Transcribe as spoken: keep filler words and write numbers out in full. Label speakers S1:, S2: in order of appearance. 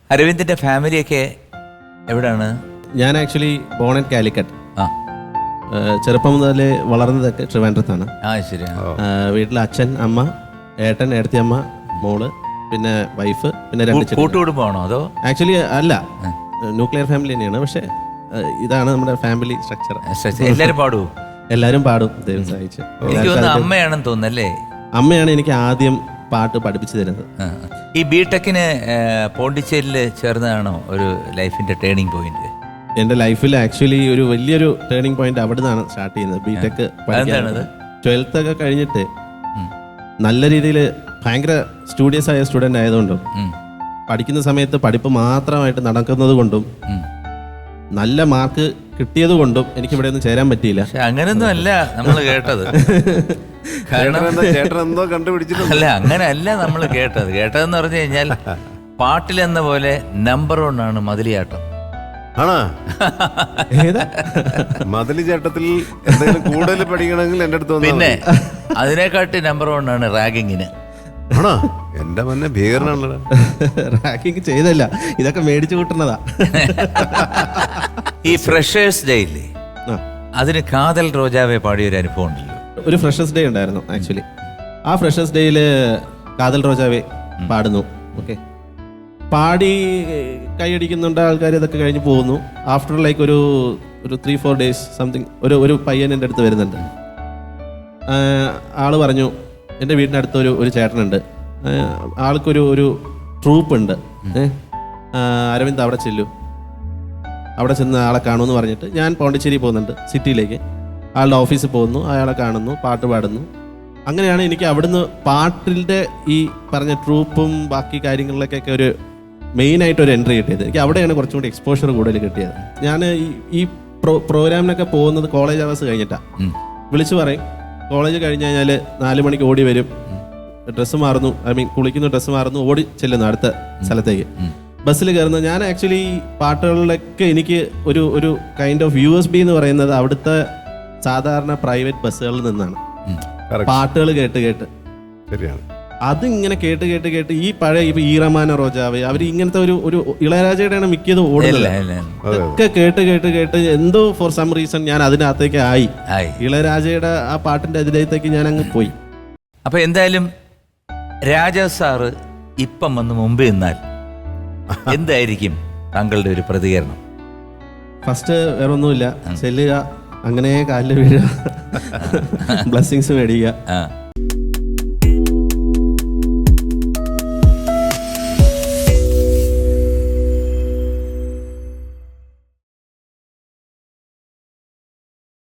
S1: അരവിന്ദിന്റെ ഫാമിലിയൊക്കെ എവിടെയാണ്?
S2: ഞാൻ ആക്ച്വലി ബോൺ ആൻഡ് കാലിക്കറ്റ്.
S1: ആ,
S2: ചെറുപ്പം മുതൽ വളർന്നതൊക്കെ ട്രിവാൻഡ്രത്താണ്.
S1: ആ ശരി.
S2: വീട്ടിൽ അച്ഛൻ, അമ്മ, ഏട്ടൻ, ഏടത്തിയമ്മ, മോള്, പിന്നെ വൈഫ്, പിന്നെ രണ്ട് ചെറിയ.
S1: കൂട്ടുകുടുംബമാണോ അതോ?
S2: ആക്ച്വലി അല്ല, ന്യൂക്ലിയർ ഫാമിലി തന്നെയാണ്. പക്ഷെ ഇതാണ് നമ്മുടെ ഫാമിലി സ്ട്രക്ചർ.
S1: എല്ലാരും പാടുവോ?
S2: എല്ലാവരും പാടും, ദൈവം സഹായിച്ച്.
S1: എനിക്ക് തോന്നുന്നു അമ്മയാണെന്ന് തോന്നുന്നല്ലേ?
S2: അമ്മയാണ് എനിക്ക് ആദ്യം പാട്ട് പഠിപ്പിച്ചു തരുന്നത്.
S1: ഈ ബി ടെക്കിന് പോണ്ടിച്ചേരിയിൽ ചേർന്നതാണോ ഒരു ലൈഫിന്റെ ടേണിംഗ് പോയിന്റ്?
S2: എൻ്റെ ലൈഫിൽ ആക്ച്വലി ഒരു വലിയൊരു ടേണിംഗ് പോയിന്റ് അവിടെ നിന്നാണ് സ്റ്റാർട്ട് ചെയ്യുന്നത്. ബി ടെക് ട്വൽത്ത് ഒക്കെ കഴിഞ്ഞിട്ട് നല്ല രീതിയിൽ ഭയങ്കര സ്റ്റുഡിയസ് ആയ സ്റ്റുഡൻ്റ് ആയതുകൊണ്ടും പഠിക്കുന്ന സമയത്ത് പഠിപ്പ് മാത്രമായിട്ട് നടക്കുന്നത് കൊണ്ടും നല്ല മാർക്ക് കിട്ടിയത് കൊണ്ടും എനിക്ക് ഇവിടെ ഒന്നും ചേരാൻ പറ്റിയില്ല.
S1: അങ്ങനെയൊന്നും അല്ല നമ്മൾ കേട്ടത്. അല്ല അങ്ങനെയല്ല നമ്മൾ കേട്ടത്. കേട്ടതെന്ന് പറഞ്ഞു കഴിഞ്ഞാൽ പാട്ടിലെന്ന പോലെ നമ്പർ വൺ ആണ് മതിലിയാട്ടം.
S3: ആണോ? മതിലി ചേട്ടത്തിൽ എന്തെങ്കിലും കൂടുതൽ പഠിക്കണമെങ്കിൽ എൻ്റെ അടുത്ത്
S1: പിന്നെ അതിനെക്കാട്ടി നമ്പർ വൺ ആണ് റാഗിങ്ങിന്.
S3: ആണോ? എന്റെ മന്നെ ഭീകരനാണല്ലോ.
S2: റാഗിങ് ചെയ്തല്ല, ഇതൊക്കെ മേടിച്ചു കൂട്ടുന്നതാ.
S1: ഈ ഫ്രഷേഴ്സ് ഡേ ഇല്ലേ, അതിന് കാതൽ റോജാവെ പാടിയൊരു അനുഭവം ഉണ്ടല്ലോ.
S2: ഒരു ഫ്രഷേഴ്സ് ഡേ ഉണ്ടായിരുന്നു ആക്ച്വലി. ആ ഫ്രഷേഴ്സ് ഡേയിൽ കാതൽ റോജാവെ പാടുന്നു. ഓക്കെ, പാടി കൈയടിക്കുന്നുണ്ട് ആൾക്കാർ. ഇതൊക്കെ കഴിഞ്ഞ് പോകുന്നു. ആഫ്റ്റർ ലൈക്ക് ഒരു ഒരു ത്രീ ഫോർ ഡേയ്സ് സംതിങ് ഒരു ഒരു പയ്യൻ എൻ്റെ അടുത്ത് വരുന്നുണ്ട്. ആള് പറഞ്ഞു, എൻ്റെ വീടിനടുത്ത് ഒരു ഒരു ചേട്ടനുണ്ട്, ആൾക്കൊരു ഒരു ട്രൂപ്പ് ഉണ്ട്, അരവിന്ദ് അവിടെ ചെല്ലു, അവിടെ ചെന്ന് ആളെ കാണുമെന്ന് പറഞ്ഞിട്ട് ഞാൻ പോണ്ടിച്ചേരി പോകുന്നുണ്ട് സിറ്റിയിലേക്ക്. ആളുടെ ഓഫീസിൽ പോകുന്നു, അയാളെ കാണുന്നു, പാട്ട് പാടുന്നു. അങ്ങനെയാണ് എനിക്ക് അവിടുന്ന് പാട്ടിൻ്റെ ഈ പറഞ്ഞ ട്രൂപ്പും ബാക്കി കാര്യങ്ങളിലേക്കൊക്കെ ഒരു മെയിനായിട്ട് ഒരു എൻട്രി കിട്ടിയത്. എനിക്ക് അവിടെയാണ് കുറച്ചും കൂടി എക്സ്പോഷർ കൂടുതൽ കിട്ടിയത്. ഞാൻ ഈ പ്രോ പ്രോഗ്രാമിനൊക്കെ പോകുന്നത് കോളേജ് അവേഴ്സ് കഴിഞ്ഞിട്ടാണ്. വിളിച്ചു പറയും, കോളേജ് കഴിഞ്ഞ് കഴിഞ്ഞാൽ നാല് മണിക്ക് ഓടി വരും, ഡ്രസ്സ് മാറുന്നു, ഐ മീൻ കുളിക്കുന്നു, ഡ്രസ്സ് മാറുന്നു, ഓടി ചെല്ലുന്നു അടുത്ത സ്ഥലത്തേക്ക്. ബസ്സിൽ കയറുന്നു. ഞാൻ ആക്ച്വലി പാട്ടുകളിലൊക്കെ എനിക്ക് ഒരു ഒരു kind of U S B എന്ന് പറയുന്നത് അവിടുത്തെ സാധാരണ പ്രൈവറ്റ് ബസ്സുകളിൽ നിന്നാണ് പാട്ടുകൾ കേട്ട് കേട്ട്.
S3: ശരിയാണ്.
S2: അതിങ്ങനെ കേട്ട് കേട്ട് കേട്ട് ഈ പഴയ ഇപ്പൊ ഈറമാന റോജാവ് അവർ ഇങ്ങനത്തെ ഒരു ഒരു ഇളയരാജയുടെയാണ് മിക്കത് ഓടുന്നത്. ഒക്കെ കേട്ട് കേട്ട് കേട്ട് എന്തോ ഫോർ സം റീസൺ ഞാൻ അതിനകത്തേക്ക് ആയി. ഇളയരാജയുടെ ആ പാട്ടിന്റെ അതിലേക്ക് ഞാൻ അങ്ങ് പോയി.
S1: അപ്പൊ എന്തായാലും രാജാ സാറ് ഇപ്പം വന്ന് മുമ്പ് നിന്നാൽ എന്തായിരിക്കും താങ്കളുടെ ഒരു പ്രതികരണം?
S2: ഫസ്റ്റ് വേറെ ഒന്നുമില്ല, ചെല്ലുക, അങ്ങനെ കാലിൽ വീഴുക, ബ്ലെസ്സിങ്സ് മേടിക്കുക.